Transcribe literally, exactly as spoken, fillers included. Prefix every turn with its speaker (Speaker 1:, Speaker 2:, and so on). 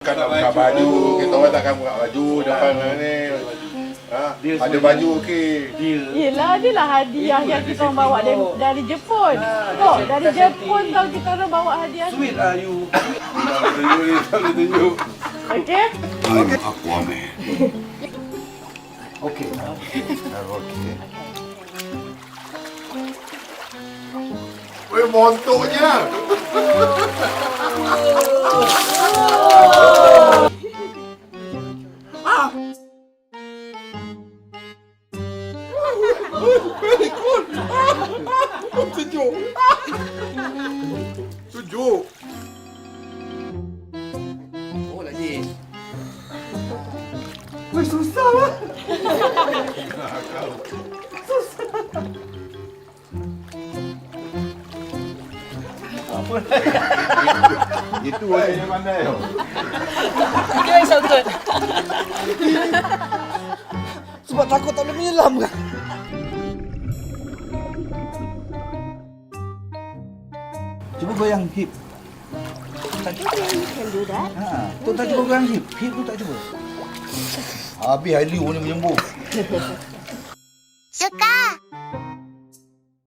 Speaker 1: Kan nak buka baju, kita orang takkan buka baju depan ni. Ha, ada baju okey.
Speaker 2: Dia.
Speaker 3: Yelah, dia lah hadiah yang kita orang bawa dari, dari Jepun. Oh, dari Jepun tau kita orang bawa hadiah.
Speaker 2: Sweet lah you.
Speaker 1: Tak boleh tunjuk ni, tak boleh tunjuk.
Speaker 3: Okey?
Speaker 1: I'm Aquaman.
Speaker 2: Okey.
Speaker 1: Okey. Weh, montoknya. Very good. Tunjuk. Tunjuk.
Speaker 2: Oh lagi.
Speaker 1: Weh, susah lah.
Speaker 2: Apa?
Speaker 1: Itu orang yang pandai tau.
Speaker 4: Dia yang sangkut.
Speaker 2: Sebab takut tak boleh menyelam kan? Cuba goyang hip. Tak cuba.
Speaker 4: Can do that.
Speaker 2: Ha, tu tak cuba goyang hip. Hip tu tak cuba. Habis Hailey ni menyembuh.
Speaker 4: Suka.